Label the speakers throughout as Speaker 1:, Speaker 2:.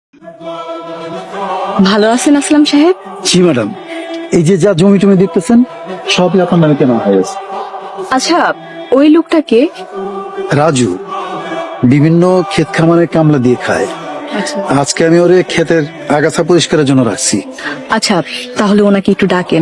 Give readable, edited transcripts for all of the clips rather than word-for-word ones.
Speaker 1: ভালো আছেন আসলাম সাহেব?
Speaker 2: জি ম্যাডাম, এই যে যা জমি টমি দেখতেছেন সবই আপনার নামে কেনা হয়ে গেছে।
Speaker 1: আচ্ছা, ওই লোকটাকে?
Speaker 2: রাজু বিভিন্ন ক্ষেত খামারে কামলা দিয়ে খায়। আজকে আমি ওরে ক্ষেতের আগাছা পরিষ্কারের জন্য রাখছি।
Speaker 1: আচ্ছা, তাহলে ওনাকে একটু ডাকেন।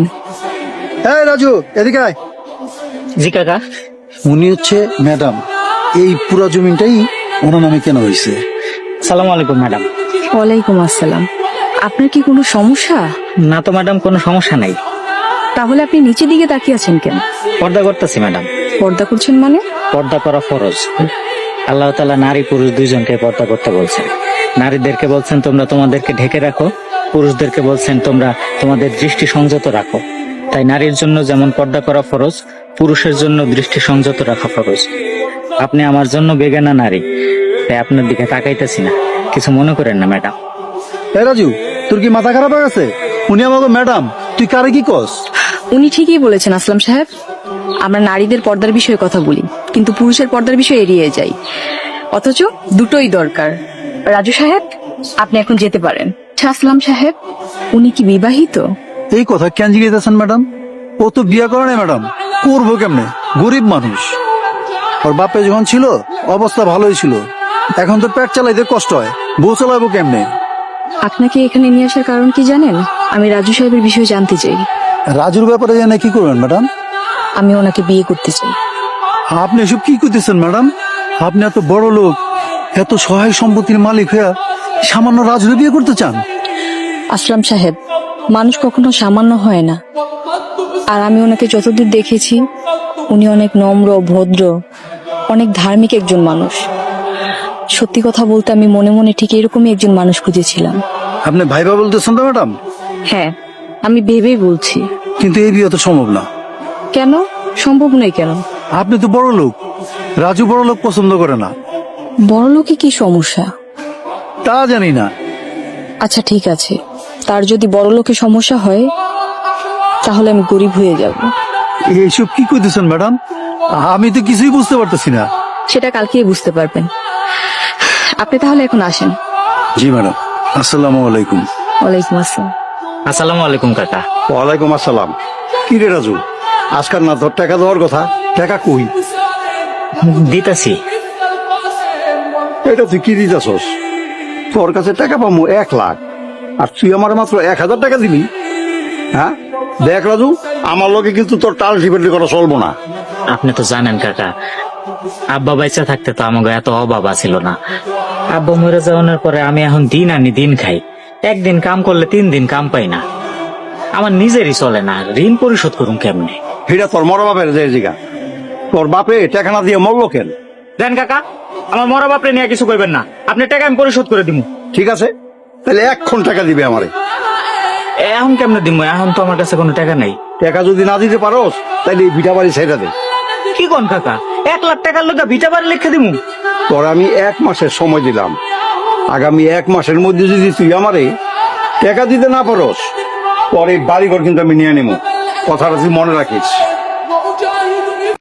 Speaker 2: এই রাজু, এদিকে আয়।
Speaker 3: জি কাকা।
Speaker 2: উনি হচ্ছে ম্যাডাম, এই পুরা জমিটাই ওনার নামে কেনা হয়েছে।
Speaker 3: সালাম আলাইকুম ম্যাডাম।
Speaker 1: ওয়ালাইকুম আসসালাম। আপনার কি কোনো সমস্যা?
Speaker 3: না তো ম্যাডাম, কোনো সমস্যা নাই।
Speaker 1: তাহলে আপনি নিচের দিকে তাকিয়ে আছেন কেন?
Speaker 3: পর্দা করতেছি ম্যাডাম।
Speaker 1: পর্দা করছেন মানে?
Speaker 3: পর্দা করা ফরজ। আল্লাহ তাআলা নারী পুরুষ দুইজনকে পর্দা করতে বলছেন। নারীদেরকে বলছেন তোমরা তোমাদেরকে ঢেকে রাখো, পুরুষদেরকে বলছেন তোমরা তোমাদের দৃষ্টি সংযত রাখো। তাই নারীর জন্য যেমন পর্দা করা ফরজ, পুরুষের জন্য দৃষ্টি সংযত রাখা ফরজ। আপনি আমার জন্য বেগানা নারী, তাই আপনার দিকে তাকাইতেছি না, কিছু মনে করেন না ম্যাডাম।
Speaker 2: এই রাজু, তোর কি মাথা খারাপ হয়ে গেছে? উনি আমাকে ম্যাডাম, তুই কারে কি কস?
Speaker 1: উনি ঠিকই বলেছেন আসলাম সাহেব। আমরা নারীদের পর্দার বিষয়ে কথা বলি, কিন্তু পুরুষের পর্দার বিষয়ে এড়িয়ে যাই। অথচ দুটোই দরকার। রাজু সাহেব, আপনি এখন যেতে পারেন। আচ্ছা আসলাম সাহেব, উনি কি বিবাহিত?
Speaker 2: এই কথা কেন জিজ্ঞেসেন ম্যাডাম? ও তো বিয়ে করে না ম্যাডাম, করবো কেমনে? গরিব মানুষ। ওর বাপে যখন ছিল অবস্থা ভালোই ছিল, এখন তো পেট চালাইতে কষ্ট হয়, বউ চালাবো কেমনে?
Speaker 1: আপনাকে এখানে নিয়ে আসার কারণ কি জানেন? আমি রাজু সাহেবের বিষয়ে জানতে চাই।
Speaker 2: রাজুর ব্যাপারে জানে কি করবেন ম্যাডাম?
Speaker 1: আমি ওনাকে বিয়ে করতে চাই।
Speaker 2: আপনি এসব কি করতেছেন ম্যাডাম? আপনি এত বড় লোক, এত সহায় সম্পত্তির মালিক হইয়া সামান্য রাজুর বিয়ে করতে চান?
Speaker 1: আসলাম সাহেব, মানুষ কখনো সামান্য হয় না। আর আমি ওনাকে যতদূর দেখেছি, উনি অনেক নম্র, ভদ্র, অনেক ধার্মিক একজন মানুষ। সত্যি কথা বলতে আমি মনে মনে ঠিক এরকমই একজন মানুষ খুঁজেছিলাম।
Speaker 2: আপনি ভাইবা বলতেছেন তো ম্যাডাম?
Speaker 1: হ্যাঁ, আমি ভেবেই বলছি।
Speaker 2: কিন্তু এই বিয়ে তো সম্ভব না।
Speaker 1: কেন সম্ভব নয়? কেন?
Speaker 2: আপনি তো বড় লোক, রাজু বড় লোক পছন্দ করে না।
Speaker 1: বড় লোকে কি সমস্যা?
Speaker 2: তা জানি না।
Speaker 1: আচ্ছা ঠিক আছে, তার যদি বড় লোকে সমস্যা হয়, তাহলে আমি গরিব হয়ে যাব।
Speaker 2: এইসব কি করতেছেন ম্যাডাম? আমি তো কিছুই বুঝতে পারতেছি না।
Speaker 1: সেটা কালকেই বুঝতে পারবেন। আপনি তাহলে এখন আসেন।
Speaker 2: জি ম্যাডাম, আসসালামু আলাইকুম।
Speaker 1: ওয়ালাইকুম আসসালাম।
Speaker 3: আসসালামু আলাইকুম কাকা।
Speaker 4: ওয়ালাইকুম আসসালাম। কি রে রাজু, আজকাল না তোর টাকা দেওয়ার কথা, টাকা কই?
Speaker 3: দিতাছি।
Speaker 4: এটা তুই কি দিতেছস? তোর কাছে টাকা পাবো 1,00,000, আর তুই আমার মাত্র 1,000 টাকা দিবি? হ্যাঁ দেখ রাজু, আমার লোকে কিন্তু তোর টাল টিপেটি করা চলবো না।
Speaker 3: আপনি তো জানেন কাকা, আব্বা বাইচা থাকতে তো আমাকে এত অভাব ছিল না। আব্বা মরে যাওয়ার পরে আমি এখন দিন আনি দিন খাই। একদিন কাম করলে 3 দিন কাম পাই না। আমার নিজেরই চলে না, ঋণ পরিশোধ করুন কেমনে?
Speaker 4: এটা তোর মরা বাপের যে জিগা, তোর বাপে টাকা না দিয়ে মরলো কেন?
Speaker 3: দেন কাকা, আমার মরা বাপরে নিয়ে কিছু কইবেন না। আপনি টাকা আমি পরিশোধ করে দিব।
Speaker 4: ঠিক আছে, তাহলে 1 টাকা দিবে আমারে।
Speaker 3: এখন কেমনে দিব? এখন তো আমার কাছে কোনো টাকা নাই।
Speaker 4: টাকা যদি না দিতে পারোস, তাহলে এই ভিটা বাড়ি ছেড়ে দে।
Speaker 3: কি কোন কাকা, 1,00,000 টাকার লোক ভিটা বাড়ি লিখে দিব?
Speaker 4: তোর আমি 1 মাসের সময় দিলাম, আগামী 1 মাসের মধ্যে যদি তুই আমারে টাকা দিতে না পারোস, পরে বাড়িঘর কিন্তু আমি নিয়ে নেবো। কথাটা তুই মনে রাখিস।